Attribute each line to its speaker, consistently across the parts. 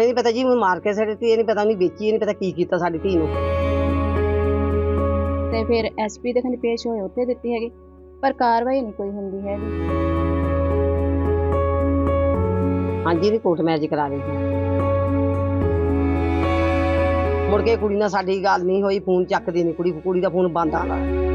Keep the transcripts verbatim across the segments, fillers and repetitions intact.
Speaker 1: ਇਹ ਨਹੀਂ ਪਤਾ ਜੀ ਉਹਨੂੰ ਮਾਰ ਕੇ ਸਿੱਟਤੀ, ਇਹ ਨਹੀਂ ਪਤਾ ਉਹਨੇ ਵੇਚੀ, ਇਹ ਨਹੀਂ ਪਤਾ ਕੀ ਕੀਤਾ ਸਾਡੀ ਧੀ ਨੂੰ।
Speaker 2: ਤੇ ਫਿਰ ਐਸਪੀ ਦੇ ਖੰਡ ਪੇਸ਼ ਹੋਏ, ਉੱਥੇ ਦਿੱਤੀ ਹੈਗੀ, ਪਰ ਕਾਰਵਾਈ ਨਹੀਂ ਕੋਈ ਹੁੰਦੀ ਹੈਗੀ।
Speaker 1: ਹਾਂਜੀ ਇਹਦੀ ਕੋਰਟ ਮੈਰਿਜ ਕਰਾ ਲਈ ਸੀ। ਮੁੜ ਕੇ ਕੁੜੀ ਨਾਲ ਸਾਡੀ ਗੱਲ ਨਹੀਂ ਹੋਈ, ਫੋਨ ਚੱਕਦੀ ਨਹੀਂ ਕੁੜੀ, ਕੁੜੀ ਦਾ ਫੋਨ ਬੰਦ ਆਉਂਦਾ।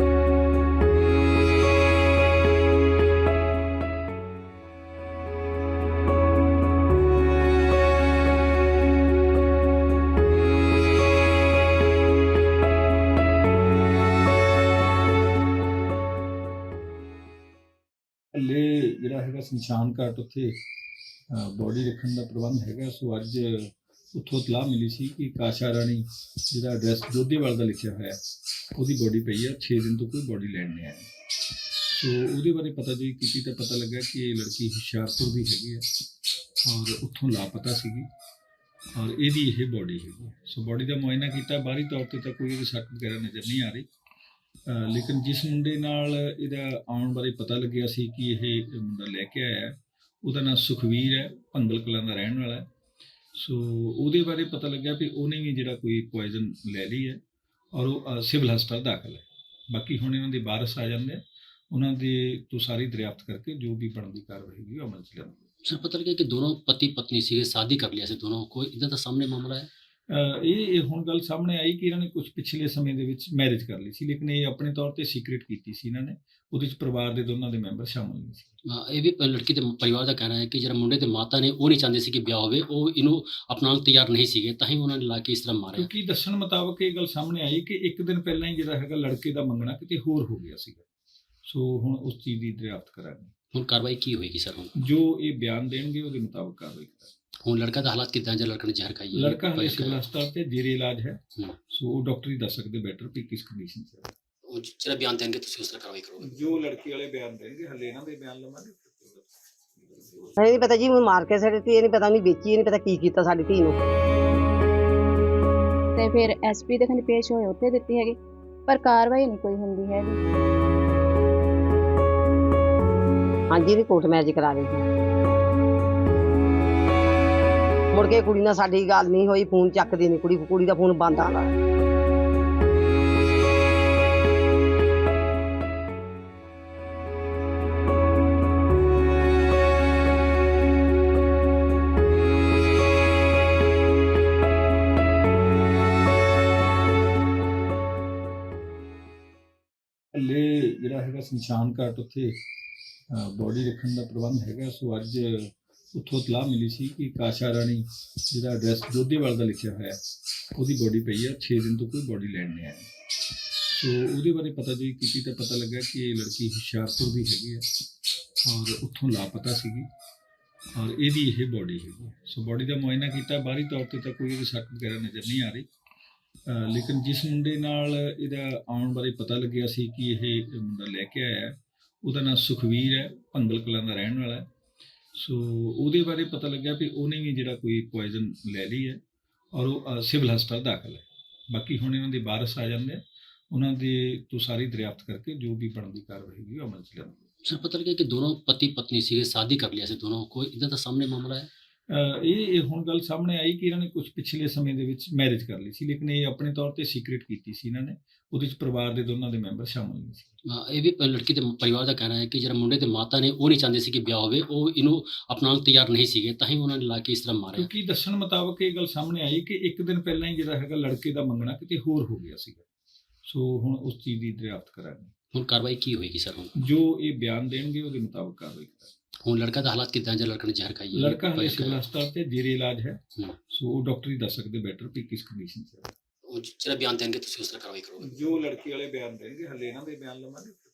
Speaker 3: ਹਲੇ ਜਿਹੜਾ ਹੈਗਾ ਸ਼ਮਸ਼ਾਨ ਘਾਟ ਉੱਥੇ ਬੋਡੀ ਰੱਖਣ ਦਾ ਪ੍ਰਬੰਧ ਹੈਗਾ। ਸੋ ਅੱਜ ਉੱਥੋਂ ਇਤਲਾਹ ਮਿਲੀ ਸੀ ਕਿ ਕਾਸ਼ਾ ਰਾਣੀ ਜਿਹਦਾ ਐਡਰੈਸ ਜੋਧੇਵਾਲ ਦਾ ਲਿਖਿਆ ਹੋਇਆ, ਉਹਦੀ ਬੋਡੀ ਪਈ ਆ, ਛੇ ਦਿਨ ਤੋਂ ਕੋਈ ਬੋਡੀ ਲੈਣ ਨਹੀਂ ਆਇਆ। ਸੋ ਉਹਦੇ ਬਾਰੇ ਪਤਾ ਜੀ ਕੀਤੀ ਤਾਂ ਪਤਾ ਲੱਗਾ ਕਿ ਇਹ ਲੜਕੀ ਹੁਸ਼ਿਆਰਪੁਰ ਦੀ ਹੈਗੀ ਹੈ ਔਰ ਉੱਥੋਂ ਲਾਪਤਾ ਸੀਗੀ ਔਰ ਇਹਦੀ ਇਹ ਬੋਡੀ ਹੈਗੀ। ਸੋ ਬੋਡੀ ਦਾ ਮੁਆਇਨਾ ਕੀਤਾ, ਬਾਹਰੀ ਤੌਰ 'ਤੇ ਤਾਂ ਕੋਈ ਇਹਦੀ ਸੱਟ ਵਗੈਰਾ ਨਜ਼ਰ ਨਹੀਂ ਆ ਰਹੀ, ਲੇਕਿਨ ਜਿਸ ਮੁੰਡੇ ਨਾਲ ਇਹਦਾ ਆਉਣ ਬਾਰੇ ਪਤਾ ਲੱਗਿਆ ਸੀ ਕਿ ਇਹ ਮੁੰਡਾ ਲੈ ਕੇ ਆਇਆ, ਉਹਦਾ ਨਾਮ ਸੁਖਵੀਰ ਹੈ, ਭੰਗਲ ਕਲਾਂ ਦਾ ਰਹਿਣ ਵਾਲਾ ਹੈ। ਸੋ ਉਹਦੇ ਬਾਰੇ ਪਤਾ ਲੱਗਿਆ ਵੀ ਉਹਨੇ ਵੀ ਜਿਹੜਾ ਕੋਈ ਪੋਇਜ਼ਨ ਲੈ ਲਈ ਹੈ ਔਰ ਉਹ ਸਿਵਲ ਹਸਪਤਾਲ ਦਾਖਲ ਹੈ। ਬਾਕੀ ਹੁਣ ਇਹਨਾਂ ਦੇ ਵਾਰਸ ਆ ਜਾਂਦੇ, ਉਹਨਾਂ ਦੇ ਤੋਂ ਸਾਰੀ ਦਰਿਆਫਤ ਕਰਕੇ ਜੋ ਵੀ ਬਣਦੀ ਕਾਰਵਾਈ ਹੋਗੀ ਉਹ ਅਮਲ 'ਚ ਲਿਆਂਦੀ।
Speaker 4: सर पता लगा कि दोनों पति पत्नी से शादी कर लिया से दोनों, कोई इधर का सामने मामला है?
Speaker 3: ਇਹ ਇਹ ਹੁਣ ਗੱਲ ਸਾਹਮਣੇ ਆਈ ਕਿ ਇਹਨਾਂ ਨੇ ਕੁਝ ਪਿਛਲੇ ਸਮੇਂ ਦੇ ਵਿੱਚ ਮੈਰਿਜ ਕਰ ਲਈ ਸੀ, ਲੇਕਿਨ ਇਹ ਆਪਣੇ ਤੌਰ ਤੇ ਸੀਕ੍ਰੀਟ ਕੀਤੀ ਸੀ ਇਹਨਾਂ ਨੇ, ਉਹਦੇ 'ਚ ਪਰਿਵਾਰ ਦੇ ਦੋਨਾਂ ਦੇ ਮੈਂਬਰ ਸ਼ਾਮਲ ਨਹੀਂ ਸੀ।
Speaker 4: हाँ, ये भी लड़की के परिवार का कहना है कि जरा मुंडे के माता ने वो नहीं चाहते सी कि ब्याह होवे, वो इन्हों अपनाने तैयार नहीं ਸੀਗੇ, ਤਾਂ ਹੀ ਉਹਨਾਂ ਨੇ ਲਾ ਕੇ ਇਸ ਤਰ੍ਹਾਂ ਮਾਰਿਆ।
Speaker 3: ਕਿਉਂਕਿ ਦੱਸਣ ਮੁਤਾਬਕ ਇਹ ਗੱਲ ਸਾਹਮਣੇ ਆਈ ਕਿ ਇੱਕ ਦਿਨ ਪਹਿਲਾਂ ਹੀ ਜਿਹੜਾ ਹੈਗਾ ਲੜਕੇ ਦਾ ਮੰਗਣਾ ਕਿਤੇ ਹੋਰ ਹੋ ਗਿਆ ਸੀਗਾ। ਸੋ ਹੁਣ ਉਸ ਚੀਜ਼ ਦੀ ਦਰਿਆਫਤ ਕਰਾਂਗੇ।
Speaker 4: ਹੁਣ ਕਾਰਵਾਈ ਕੀ ਹੋਏਗੀ ਸਰ? ਹੁਣ
Speaker 3: ਜੋ ਇਹ ਬਿਆਨ ਦੇਣਗੇ ਉਹਦੇ ਮੁਤਾਬਕ ਕਾਰਵਾਈ ਕਰਾਂਗੇ।
Speaker 4: ਹੁਣ ਲੜਕਾ ਦਾ ਹਾਲਾਤ ਕਿਦਾਂ, ਜਾਂ ਲੜਕਾ ਨੇ ਜ਼ਹਿਰ ਖਾਈ ਹੈ?
Speaker 3: ਲੜਕਾ ਹਲੇ ਸਿਵਲ ਹਸਪਤਾਲ ਤੇ ਜੇਰੇ ਇਲਾਜ ਹੈ।
Speaker 4: ਹੂੰ।
Speaker 3: ਸੋ ਉਹ ਡਾਕਟਰ ਹੀ ਦੱਸ ਸਕਦੇ ਬੈਟਰ ਵੀ ਕਿਸ ਕੰਡੀਸ਼ਨ 'ਚ ਹੈ।
Speaker 4: ਉਹ ਜਿਹੜਾ ਬਿਆਨ ਦੇਣਗੇ ਤੁਸੀਂ ਉਸ ਤਰ੍ਹਾਂ ਕਾਰਵਾਈ ਕਰੋਗੇ?
Speaker 3: ਜੋ ਲੜਕੀ ਵਾਲੇ ਬਿਆਨ ਦੇਣਗੇ, ਹਲੇ ਇਹਨਾਂ ਦੇ ਬਿਆਨ ਲਵਾਂਗੇ।
Speaker 1: ਇਹ ਨਹੀਂ ਪਤਾ ਜੀ ਉਹਨੂੰ ਮਾਰ ਕੇ ਸਿੱਟਤੀ, ਇਹ ਨਹੀਂ ਪਤਾ ਉਹਨੇ ਵੇਚੀ, ਇਹ ਨਹੀਂ ਪਤਾ ਕੀ ਕੀਤਾ ਸਾਡੀ ਧੀ ਨੂੰ।
Speaker 2: ਤੇ ਫਿਰ ਐਸਪੀ ਦੇ ਖੰਡ ਪੇਸ਼ ਹੋਏ, ਉੱਥੇ ਦਿੱਤੀ ਹੈਗੀ, ਪਰ ਕਾਰਵਾਈ ਨਹੀਂ ਕੋਈ ਹੁੰਦੀ ਹੈਗੀ।
Speaker 1: ਹਾਂਜੀ ਇਹਦੀ ਕੋਰਟ ਮੈਰਿਜ ਕਰਾ ਲਈ ਸੀ। ਮੁੜ ਕੇ ਕੁੜੀ ਨਾਲ ਸਾਡੀ ਗੱਲ ਨਹੀਂ ਹੋਈ, ਫੋਨ ਚੱਕਦੀ ਨਹੀਂ ਕੁੜੀ, ਕੁੜੀ ਦਾ ਫੋਨ ਬੰਦ ਆਉਂਦਾ।
Speaker 3: ਹਲੇ ਜਿਹੜਾ ਹੈਗਾ ਸ਼ਮਸ਼ਾਨ ਘਾਟ ਉੱਥੇ ਬੋਡੀ ਰੱਖਣ ਦਾ ਪ੍ਰਬੰਧ ਹੈਗਾ। ਸੋ ਅੱਜ ਉੱਥੋਂ ਇਤਲਾਹ ਮਿਲੀ ਸੀ ਕਿ ਕਾਸ਼ਾ ਰਾਣੀ ਜਿਹਦਾ ਐਡਰੈਸ ਜੋਧੇਵਾਲ ਦਾ ਲਿਖਿਆ ਹੋਇਆ, ਉਹਦੀ ਬੋਡੀ ਪਈ ਆ, ਛੇ ਦਿਨ ਤੋਂ ਕੋਈ ਬੋਡੀ ਲੈਣ ਨਹੀਂ ਆਇਆ। ਸੋ ਉਹਦੇ ਬਾਰੇ ਪਤਾ ਜੀ ਕੀਤੀ ਤਾਂ ਪਤਾ ਲੱਗਾ ਕਿ ਇਹ ਲੜਕੀ ਹੁਸ਼ਿਆਰਪੁਰ ਦੀ ਹੈਗੀ ਹੈ ਔਰ ਉੱਥੋਂ ਲਾਪਤਾ ਸੀਗੀ ਔਰ ਇਹਦੀ ਇਹ ਬੋਡੀ ਹੈਗੀ। ਸੋ ਬੋਡੀ ਦਾ ਮੁਆਇਨਾ ਕੀਤਾ, ਬਾਹਰੀ ਤੌਰ 'ਤੇ ਤਾਂ ਕੋਈ ਇਹਦੀ ਸੱਟ ਵਗੈਰਾ ਨਜ਼ਰ ਨਹੀਂ ਆ ਰਹੀ, ਲੇਕਿਨ ਜਿਸ ਮੁੰਡੇ ਨਾਲ ਇਹਦਾ ਆਉਣ ਬਾਰੇ ਪਤਾ ਲੱਗਿਆ ਸੀ ਕਿ ਇਹ ਮੁੰਡਾ ਲੈ ਕੇ ਆਇਆ, ਉਹਦਾ ਨਾਮ ਸੁਖਵੀਰ ਹੈ, ਭੰਗਲ ਕਲਾਂ ਦਾ ਰਹਿਣ ਵਾਲਾ ਹੈ। ਸੋ ਉਹਦੇ ਬਾਰੇ ਪਤਾ ਲੱਗਿਆ ਵੀ ਉਹਨੇ ਵੀ ਜਿਹੜਾ ਕੋਈ ਪੋਇਜ਼ਨ ਲੈ ਲਈ ਹੈ ਔਰ ਉਹ ਸਿਵਲ ਹਸਪਤਾਲ ਦਾਖਲ ਹੈ। ਬਾਕੀ ਹੁਣ ਇਹਨਾਂ ਦੇ ਵਾਰਸ ਆ ਜਾਂਦੇ, ਉਹਨਾਂ ਦੇ ਤੋਂ ਸਾਰੀ ਦਰਿਆਫਤ ਕਰਕੇ ਜੋ ਵੀ ਬਣਦੀ ਕਾਰਵਾਈ ਹੋਗੀ ਉਹ ਅਮਲ 'ਚ ਲਿਆਂਦੀ।
Speaker 4: सर पता लगा कि दोनों पति पत्नी से शादी कर लिया से दोनों, कोई इधर का सामने मामला है?
Speaker 3: ਇਹ ਇਹ ਹੁਣ ਗੱਲ ਸਾਹਮਣੇ ਆਈ ਕਿ ਇਹਨਾਂ ਨੇ ਕੁਝ ਪਿਛਲੇ ਸਮੇਂ ਦੇ ਵਿੱਚ ਮੈਰਿਜ ਕਰ ਲਈ ਸੀ, ਲੇਕਿਨ ਇਹ ਆਪਣੇ ਤੌਰ ਤੇ ਸੀਕ੍ਰੀਟ ਕੀਤੀ ਸੀ ਇਹਨਾਂ ਨੇ, ਉਹਦੇ 'ਚ ਪਰਿਵਾਰ ਦੇ ਦੋਨਾਂ ਦੇ ਮੈਂਬਰ ਸ਼ਾਮਲ ਨਹੀਂ ਸੀ।
Speaker 4: हाँ, ये भी लड़की के परिवार का कहना है कि जरा मुंडे के माता ने वो नहीं चाहते सी कि ब्याह होवे, वो इन्हों अपनाने तैयार नहीं ਸੀਗੇ, ਤਾਂ ਹੀ ਉਹਨਾਂ ਨੇ ਲਾ ਕੇ ਇਸ ਤਰ੍ਹਾਂ ਮਾਰਿਆ।
Speaker 3: ਕਿਉਂਕਿ ਦੱਸਣ ਮੁਤਾਬਕ ਇਹ ਗੱਲ ਸਾਹਮਣੇ ਆਈ ਕਿ ਇੱਕ ਦਿਨ ਪਹਿਲਾਂ ਹੀ ਜਿਹੜਾ ਹੈਗਾ ਲੜਕੇ ਦਾ ਮੰਗਣਾ ਕਿਤੇ ਹੋਰ ਹੋ ਗਿਆ ਸੀਗਾ। ਸੋ ਹੁਣ ਉਸ ਚੀਜ਼ ਦੀ ਦਰਿਆਫਤ ਕਰਾਂਗੇ।
Speaker 4: ਹੁਣ ਕਾਰਵਾਈ ਕੀ ਹੋਏਗੀ ਸਰ? ਹੁਣ
Speaker 3: ਜੋ ਇਹ ਬਿਆਨ ਦੇਣਗੇ ਉਹਦੇ ਮੁਤਾਬਕ ਕਾਰਵਾਈ ਕਰਾਂਗੇ।
Speaker 4: ਹੁਣ ਲੜਕਾ ਦਾ ਹਾਲਾਤ ਕਿਦਾਂ, ਜਾਂ ਲੜਕਾ ਨੇ ਜ਼ਹਿਰ ਖਾਈ ਹੈ?
Speaker 3: ਲੜਕਾ ਹਲੇ ਸਿਵਲ ਹਸਪਤਾਲ ਤੇ ਜੇਰੇ ਇਲਾਜ ਹੈ।
Speaker 4: ਹੂੰ।
Speaker 3: ਸੋ ਉਹ ਡਾਕਟਰ ਹੀ ਦੱਸ ਸਕਦੇ ਬੈਟਰ ਵੀ ਕਿਸ ਕੰਡੀਸ਼ਨ 'ਚ ਹੈ।
Speaker 4: ਉਹ ਜਿਹੜਾ ਬਿਆਨ ਦੇਣਗੇ ਤੁਸੀਂ ਉਸ ਤਰ੍ਹਾਂ ਕਾਰਵਾਈ ਕਰੋਗੇ?
Speaker 3: ਜੋ ਲੜਕੀ ਵਾਲੇ ਬਿਆਨ ਦੇਣਗੇ, ਹਲੇ ਇਹਨਾਂ ਦੇ ਬਿਆਨ ਲਵਾਂਗੇ।